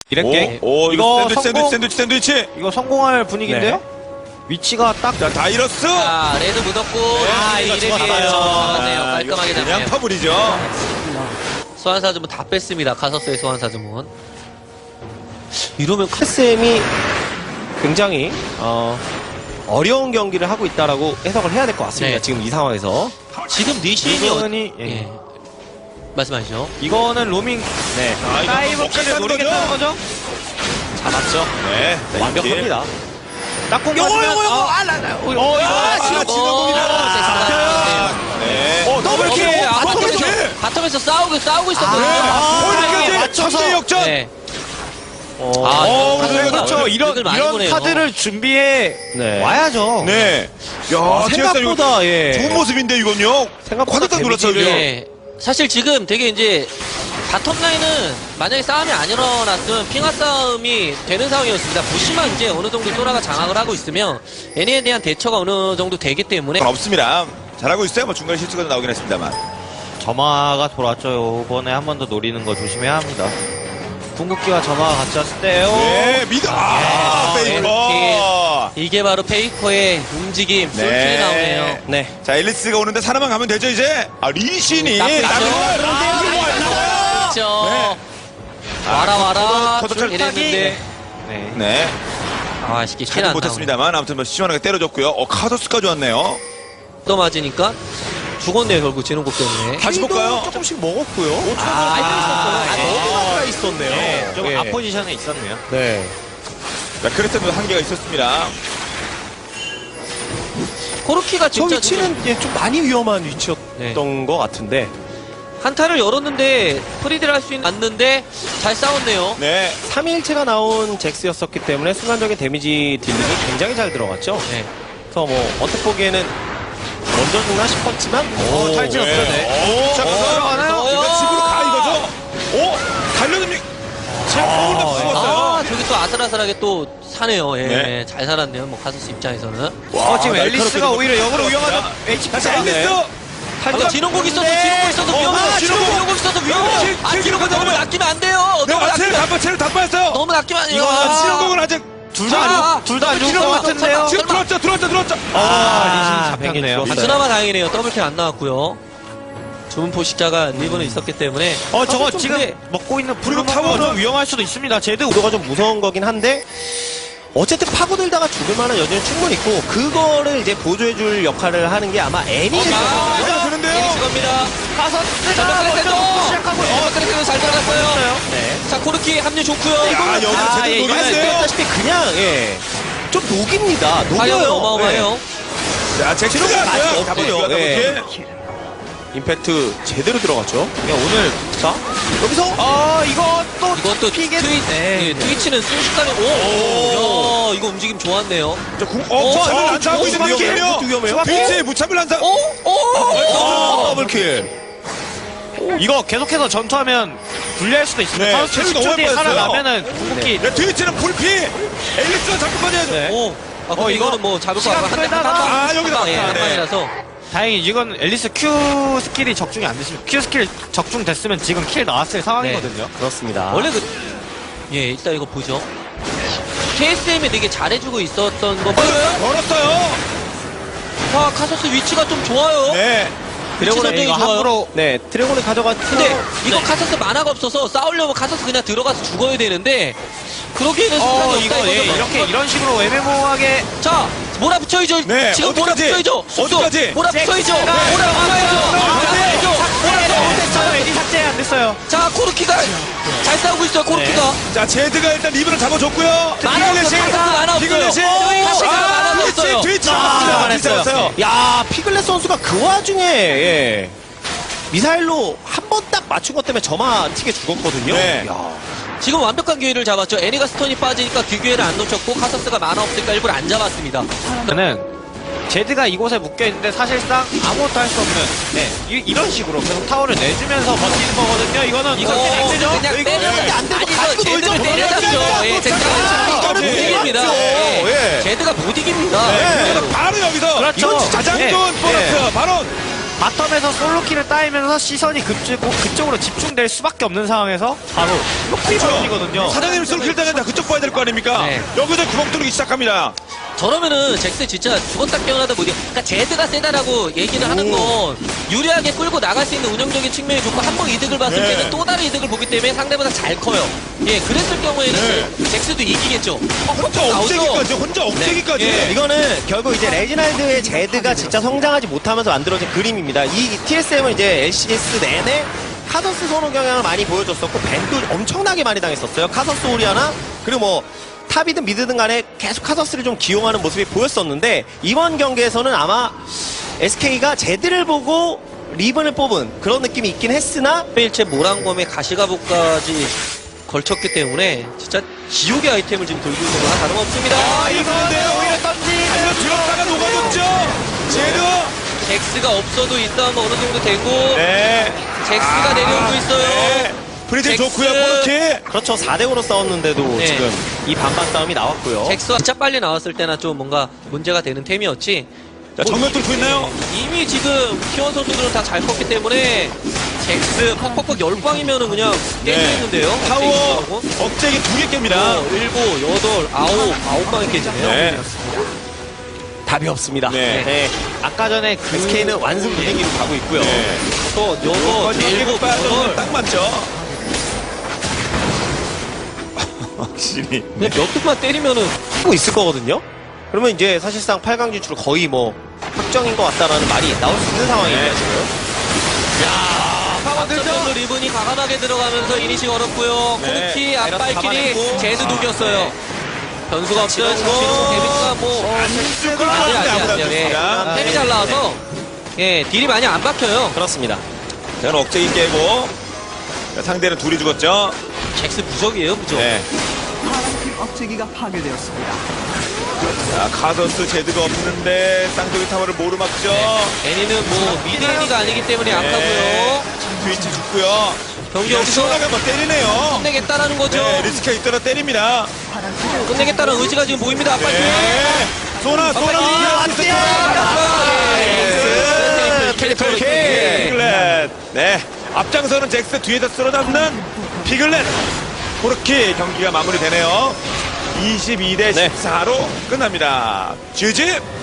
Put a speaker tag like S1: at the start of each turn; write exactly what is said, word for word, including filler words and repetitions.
S1: 이랬게.
S2: 오, 오,
S1: 이거
S2: 이거 샌드위치,
S1: 성공?
S2: 샌드위치, 샌드위치, 샌드위치.
S1: 이거 성공할 분위기인데요?
S3: 네.
S1: 위치가 딱
S2: 자, 다이러스.
S4: 자, 레드 묻었고.
S1: 아, 이거
S4: 이름이에요.
S1: 죽었어요.
S4: 잡았네요.
S2: 아, 이거
S4: 깔끔하게
S2: 그냥
S4: 잡네요.
S2: 파블이죠.
S4: 소환사주문 다 뺐습니다. 카서스의 소환사주문. 이러면 카...
S3: 에스엠이 굉장히 어, 어려운 경기를 하고 있다라고 해석을 해야 될 것 같습니다.
S4: 네.
S3: 지금 이 상황에서
S4: 지금 니신이 어...
S3: 이거는 예.
S4: 예. 말씀하시죠.
S3: 이거는 로밍 네
S2: 아, 이거
S1: 다이브까지
S2: 먹겠다는
S1: 노리겠다는
S2: 거죠?
S1: 거죠?
S3: 잡았죠.
S2: 네,
S3: 완벽합니다. 딱공
S1: 요거
S3: 맞으면
S1: 요거 요거
S3: 어,
S1: 아, 나, 나, 어,
S3: 어,
S1: 이거
S3: 이거
S2: 아,
S3: 지금
S2: 지금 공이다.
S4: 잡혀요.
S2: 네.
S3: 어, 더블킬!
S4: 어,
S3: 어,
S4: 바텀에서,
S2: 더블킬!
S4: 바텀에서 싸우고, 싸우고 있었거든요.
S2: 홀까지
S3: 맞춰서.
S2: 맞춰서 역전.
S4: 네.
S3: 어,
S4: 아,
S2: 어,
S4: 이거
S2: 네,
S1: 그렇죠.
S4: 카드를
S1: 이런
S4: 많이
S1: 이런
S4: 보네요.
S1: 카드를 준비해
S3: 네.
S1: 와야죠.
S2: 네. 야,
S3: 아,
S2: 생각보다
S3: 생각보다 예.
S2: 좋은 모습인데 이건요.
S3: 생각보다
S2: 깜짝 놀랐어요.
S3: 데미지를-
S4: 예. 사실 지금 되게 이제 바텀 라인은 만약에 싸움이 안 일어났으면 핑하 싸움이 되는 상황이었습니다. 보시만 이제 어느 정도 소라가 장악을 하고 있으면 애니에 대한 대처가 어느 정도 되기 때문에
S2: 없습니다. 잘하고 있어요. 뭐 중간에 실수가 나오긴 했습니다만.
S1: 점화가 돌았죠. 이번에 한 번 더 노리는 거 조심해야 합니다. 궁극기와 점화가 같이 왔을 때요.
S2: 네, 미드. 아,
S4: 예.
S2: 페이커.
S4: 이게 바로 페이커의 움직임,
S2: 네.
S4: 솔직히 나오네요.
S3: 네.
S2: 자, 앨리스가 오는데 사람만 가면 되죠, 이제. 아, 리신이.
S4: 딱 있죠.
S2: 나를-
S4: 그렇죠.
S2: 네.
S4: 와라 와라
S2: 커터
S4: 쭉
S2: 찰-
S4: 이랬는데
S1: 네.
S2: 네.
S4: 아 쉽게 킬안
S2: 잘은
S4: 나오네.
S2: 못했습니다만 아무튼 뭐 시원하게 때려줬고요. 어, 카더스까지 왔네요.
S4: 또 맞으니까 죽었네요 결국 진홍국 때문에.
S2: 다시 볼까요?
S3: 조금씩 먹었고요.
S4: 아,
S3: 아,
S4: 아,
S3: 너무 가까이 있었네요.
S1: 네, 좀
S3: 예.
S1: 앞포지션에 있었네요.
S3: 네.
S2: 자, 그랬던 한계가 있었습니다.
S4: 코르키가
S3: 저
S4: 진짜
S3: 위치는 예, 좀 많이 위험한 위치였던
S4: 네.
S3: 것 같은데.
S4: 한타를 열었는데 프리드를 할 수 있는 않는데 잘 싸웠네요.
S2: 네.
S3: 삼 일체가 나온 잭스였었기 때문에 순간적인 데미지 딜링이 굉장히 잘 들어갔죠.
S4: 네.
S3: 그래서 뭐 어떻게 보기에는 먼저 죽나 싶었지만
S1: 오, 탈진 없어요.
S2: 오, 자, 가서
S4: 들어가나요?
S2: 이거 집으로 가 이거죠? 오, 달려듭니까? 제가 거울 다 죽었어요.
S4: 아 저기 또 아슬아슬하게 또 사네요. 예,
S2: 네.
S4: 잘 살았네요. 뭐 카서스 입장에서는.
S1: 어, 지금
S2: 아,
S1: 앨리스가
S2: 날카롭게
S1: 오히려 역으로
S2: 들어갔습니다.
S1: 위험하다. 에이치
S2: 다시 앨리스.
S4: 아, 진홍국 있어도
S1: 네.
S4: 진홍국 있어도
S2: 어,
S4: 위험해.
S2: 아,
S4: 진홍국
S2: 진홍국.
S4: 진홍국 있어도 위험해.
S2: 킬,
S4: 아
S2: 킬
S4: 진홍국 너무
S2: 들어가면-
S4: 낚이면 안 돼요.
S2: 네,
S4: 너무
S2: 완체를
S4: 낚이면
S2: 다 체를 다 빠졌어요.
S4: 너무 낚이면 안 돼요.
S2: 이거
S4: 아,
S2: 신호공은 아직
S1: 둘 다 안 둘 다 안 죽을 것 같은데요.
S2: 지금 들어왔죠, 들어왔죠, 들어왔죠.
S1: 아, 리신
S3: 뱅이
S1: 잡혔네요.
S3: 죽었어요.
S4: 그나마 다행이네요. 더블킬 안 나왔고요. 주문 포식자가 리븐에 있었기 때문에.
S1: 어, 저거
S3: 아, 좀
S1: 지금
S3: 근데-
S1: 먹고 있는
S2: 그리고
S1: 블루 타워는
S2: 타워는-
S1: 좀 위험할 수도 있습니다. 제드
S3: 우도가 좀 무서운 거긴 한데 어쨌든 파고들다가 죽을 만한 여지는 충분히 있고 그거를 이제 보조해줄 역할을 하는 게 아마 애니일 거예요.
S2: 아, 되는데요.
S4: 에릭스 겁니다.
S1: 가서
S4: 전력 클래스도
S1: 시작하고
S4: 전력 클래스도 잘 들어갔어요.
S3: 네.
S4: 자 코르키 합류 좋고요.
S2: 야, 여기
S3: 아,
S2: 제대로
S3: 예, 이거는
S2: 노렸어요.
S3: 보다시피 그냥 예. 좀 녹입니다.
S4: 화력은
S3: 녹여요.
S4: 어마어마해요.
S2: 자, 잭스가
S3: 많이
S2: 왔어요.
S3: 없고요.
S2: 더블
S3: 예.
S2: 킬.
S3: 임팩트 제대로 들어갔죠.
S1: 예, 오늘
S3: 자 여기서
S1: 어 이거 또
S4: 이건 또
S1: 피게
S4: 트위,
S1: 네.
S4: 예, 트위치는 순식간에 오, 야, 이거 움직임 좋았네요.
S2: 자, 궁,
S4: 어,
S2: 어, 무참을
S4: 어,
S2: 난사하고
S4: 어,
S2: 있는
S4: 위험해요.
S2: 위험해요.
S3: 이것도 위험해요.
S2: 트위치에 무참을 난사.
S4: 오, 오, 오,
S3: 더블킬.
S1: 이거 계속해서 전투하면 불리할 수도 있습니다.
S2: 네,
S1: 카우스
S2: 체력이
S1: 십 초
S2: 너무
S1: 뒤에
S2: 많이 빠졌어요.
S1: 살아나면은 궁극기
S2: 네, 트위치는 불피. 앨리스가 잡고 빠져야죠.
S4: 오. 아, 근데
S1: 어, 이거
S4: 이거는 뭐 잡을 거
S1: 시간
S4: 같고 한 대, 한
S1: 끌다가-
S4: 방,
S2: 아, 여기다.
S4: 한 방, 예, 한
S2: 네.
S4: 방이라서.
S1: 다행히 이건 앨리스 Q 스킬이 적중이 안 됐습니다. Q 스킬 적중됐으면 지금 킬 나왔을 상황이거든요.
S3: 그렇습니다.
S4: 원래 그, 예, 일단 이거 보죠. 케이에스엠이 되게 잘해주고 있었던 거 보여요?
S2: 걸었어요.
S4: 와, 카서스 위치가 좀 좋아요.
S2: 네.
S4: 위치
S3: 드래곤의
S4: 선정이
S1: 이거
S4: 좋아요.
S1: 함부로
S3: 네 드래곤을 가져갔죠.
S4: 근데 이거 카서스 만화가 없어서 싸우려면 카서스 그냥 들어가서 죽어야 되는데 그러기에는
S1: 어
S4: 시간이
S1: 이거
S4: 없다
S1: 예,
S4: 이거죠.
S1: 이렇게 이런 식으로 애매모호하게
S4: 자 몰아붙여야죠.
S2: 네,
S4: 지금
S2: 어디까지?
S4: 몰아붙여야죠. 쑥쑥.
S2: 어디까지?
S4: 몰아붙여야죠.
S1: 잭스가-
S4: 몰아붙여야죠. 몰아붙여야죠.
S1: 됐어요. 에디 삭제 안 됐어요.
S4: 자 코르키가 잘 싸우고 있어요. 코르키가
S2: 자, 제드가 일단 리브를 잡아줬고요.
S4: 만화 없어. 카서스 만화 없어요.
S2: 피글렛이.
S4: 카서스가 만화
S2: 트위치,
S4: 없어요.
S2: 트위치.
S3: 아,
S2: 트위치 잡았어요.
S3: 야 피글렛 선수가 그 와중에 예. 미사일로 한 번 딱 맞춘 것 때문에 저만 튀게 죽었거든요.
S2: 네.
S3: 야.
S4: 지금 완벽한 기회를 잡았죠. 애니가 스톤이 빠지니까 그 기회를 안 놓쳤고 카서스가 만화 없으니까 일부러 안 잡았습니다.
S1: 저는 제드가 이곳에 묶여 있는데 사실상 아무것도 할 수 없는 네 이, 이런 식으로 계속 타워를 내주면서 버티는 거거든요. 이거는
S4: 이거
S1: 이거 안 되죠.
S4: 그냥
S3: 이거
S4: 때려서
S3: 안 되죠.
S4: 아니 이거
S3: 가지고
S4: 제드를
S3: 놀죠.
S4: 때려잡죠. 예,
S2: 놀죠.
S4: 제드가 이거는 못
S2: 예.
S4: 이깁니다.
S2: 맞죠.
S4: 예.
S2: 예.
S4: 제드가 못 이깁니다.
S2: 네. 바로 여기서
S1: 그렇죠.
S2: 이건 가장
S1: 예.
S2: 좋은 보너스
S3: 예.
S2: 바로
S1: 바텀에서 솔로키를 따이면서 시선이 그쪽, 그쪽으로 집중될 수밖에 없는 상황에서 바로 lok비 버전이거든요.
S2: 사장님 솔킬 당했다. 그쪽 봐야 될 거 아닙니까?
S4: 네.
S2: 여기서 구멍 뚫기 시작합니다.
S4: 저러면은 잭스 진짜 죽었다 깨어나다 보니 그러니까 제드가 세다라고 얘기를 하는 건 유리하게 끌고 나갈 수 있는 운영적인 측면이 좋고 한 번 이득을 봤을
S2: 네.
S4: 때는 또 다른 이득을 보기 때문에 상대보다 잘 커요. 예, 그랬을 경우에는 잭스도 이기겠죠. 어,
S2: 혼자
S4: 나오죠?
S2: 억제기까지, 혼자 억제기까지.
S3: 예, 이거는 결국 이제 레지나이드의 제드가 진짜 성장하지 못하면서 만들어진 그림입니다. 이 티에스엠은 이제 엘씨디에스 내내 카서스 선호 경향을 많이 보여줬었고 밴도 엄청나게 많이 당했었어요. 카서스 오리아나 그리고 뭐 탑이든 미드든 간에 계속 카서스를 좀 기용하는 모습이 보였었는데 이번 경기에서는 아마 에스케이가 제드를 보고 리븐을 뽑은 그런 느낌이 있긴 했으나
S4: 일체 모란검에 가시가복까지 걸쳤기 때문에 진짜 지옥의 아이템을 지금 들고 있는 거나 다름없습니다.
S2: 아, 이건데요. 오히려 던지. 달려 들었다가 녹아줬죠. 제드.
S4: 잭스가 없어도 이 싸움 어느 정도 되고
S2: 네.
S4: 잭스가 내려오고 있어요.
S2: 네. 프리즌
S4: 잭스.
S2: 좋고요. 포르키.
S3: 그렇죠. 사 대 오로 싸웠는데도
S4: 네.
S3: 지금 이 반반 싸움이 나왔고요.
S4: 잭스가 진짜 빨리 나왔을 때나 좀 뭔가 문제가 되는 템이었지.
S2: 자, 정면 뚫고 있나요?
S4: 이미 지금 키원 선수들은 다 잘 컸기 때문에 잭스 퍽퍽퍽 열광이면은 그냥 깨지는데요.
S2: 네. 타워 억제기 두 개 깹니다.
S4: 어, 일곱, 여덟, 아홉, 아홉 방에 깨지네요.
S2: 네.
S3: 답이 없습니다.
S2: 네.
S3: 네.
S1: 아까 전에 그
S3: 에스케이는 완승 분위기로 가고 있고요.
S2: 네.
S4: 또 여섯,
S2: 일곱
S4: 일곱,
S2: 빠져
S4: 여덟.
S2: 딱 맞죠? 확실히.
S4: 그냥 몇 뚝만 때리면은
S3: 하고 있을 거거든요. 그러면 이제 사실상 팔 강 진출 거의 뭐 확정인 것 같다라는 말이 나올 수 있는 상황이에요
S2: 네.
S3: 지금.
S4: 앞서서 리븐이 과감하게 들어가면서 이니시 걸었고요.
S2: 네.
S4: 코르키
S3: 바이러스
S4: 앞발길이
S3: 잡아냈고.
S4: 제드 녹였어요. 변수가 없어요.
S3: 지금
S4: 장신호 데뷔가 뭐
S2: 안쓸
S4: 아직 아직 안 돼요. 예.
S2: 습니다
S4: 템이 잘 나와서 예 딜이 많이 안 박혀요.
S3: 그렇습니다.
S2: 자, 억제기 깨고. 자, 상대는 둘이 죽었죠?
S4: 잭스 무적이에요, 무적.
S2: 네.
S5: 파란팀 억제기가 파괴되었습니다.
S2: 자, 카더스 제드가 없는데 쌍둥이 타워를 모르 막죠?
S4: 애니는 뭐 미드 애니가 아니기 때문에 약하고요.
S2: 트위치 죽고요.
S4: 경기
S2: 그냥
S4: 여기서
S2: 시원하게 한번 때리네요.
S4: 끝내겠다라는 거죠.
S2: 네, 리스크가 있더라 때립니다.
S5: 파란팀
S4: 끝내겠다는 의지가 지금 보입니다. 빨리.
S2: 네. 소나, 소나,
S4: 아,
S2: 리스크
S4: 네.
S2: 트리플 킥! 피글렛. 네. 앞장서는 잭스 뒤에다 쓸어잡는 피글렛. 그렇게 경기가 마무리되네요. 이십이 대 십사로 끝납니다. 지지!